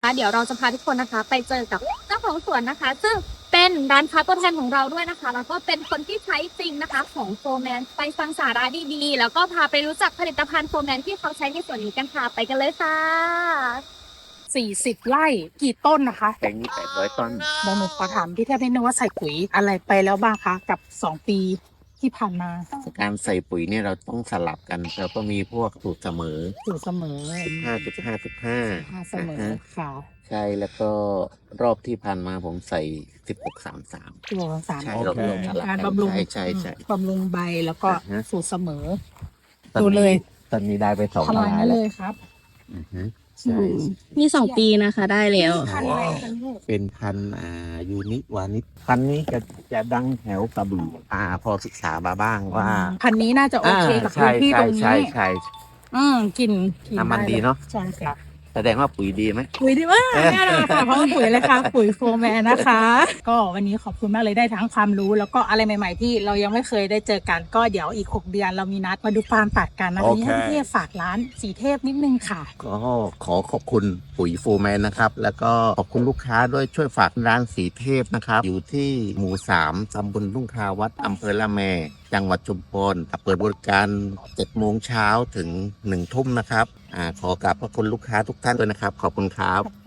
เดี๋ยวเราจะพาทุกคนนะคะไปเจอกับเจ้าของสวนนะคะ ซึ่งเป็นร้านค้าตัวแทนของเราด้วยนะคะแล้วก็เป็นคนที่ใช้จริงนะคะของโฟร์แมนไปฟังสาระดีๆแล้วก็พาไปรู้จักผลิตภัณฑ์โฟร์แมนที่เขาใช้ในสวนนี้กันค่ะไปกันเลยค่ะ 40 ไร่กี่ต้นนะคะแปลงนี้800 ต้นหนูขอถามพี่แทบนิดนึงว่าใส่ปุ๋ยอะไรไปแล้วบ้างคะกับ2 ปีที่ผ่านมาการใส่ปุ๋ยเนี่ยเราต้องสลับกันเราก็มีพวกสูตรเสมออยู่เสมอ 15 เสมอค่ะใช่แล้วก็รอบที่ผ่านมาผมใส่ 16-33 ตัวสารใช่โอเราเคสลับการกันบำรุงใช่บำรุงใบแล้วก็อ่าฮะสูตรเสมอตอนดูนี้เลยตอนนี้ได้ไป2 ทำลายลายนั่นแล้เลวยครับอือฮึใช่นี่2 ปีนะคะได้แล้วพันอะไรคะลูกเป็นพันธุ์ยูนิวานิชพันธุ์นี้จะดังแถวกระบี่พอศึกษามาบ้างว่าพันนี้น่าจะโอเคกับพื้นที่ตรงนี้ใช่กลิ่นน้ำมันดีเนอะใช่ค่ะแสดงว่าปุ๋ยดีไหมปุ๋ยดีมากแน่นอนค่ะเพราะมันปุ๋ยเลยค่ะปุ๋ยโฟร์แมนนะคะ ก็วันนี้ขอบคุณมากเลยได้ทั้งความรู้แล้วก็อะไรใหม่ ๆ ที่เรายังไม่เคยได้เจอกันก็เดี๋ยวอีก6 เดือนเรามีนัดมาดูฟาร์มตัดกันนะวันนี้ให้พี่เทพฝากร้านสีเทพนิดนึงค่ะก็ขอขอบคุณปุ๋ยฟูแมนนะครับ แล้วก็ขอบคุณลูกค้าด้วยช่วยฝากร้านสีเทพนะครับ อยู่ที่หมู่ 3 ตำบลทุ่งคาวัดอำเภอละแม จังหวัดชุมพรเปิดบริการ 7 โมงเช้าถึง 1 ทุ่มนะครับขอกราบขอบคุณลูกค้าทุกท่านด้วยนะครับ ขอบคุณครับ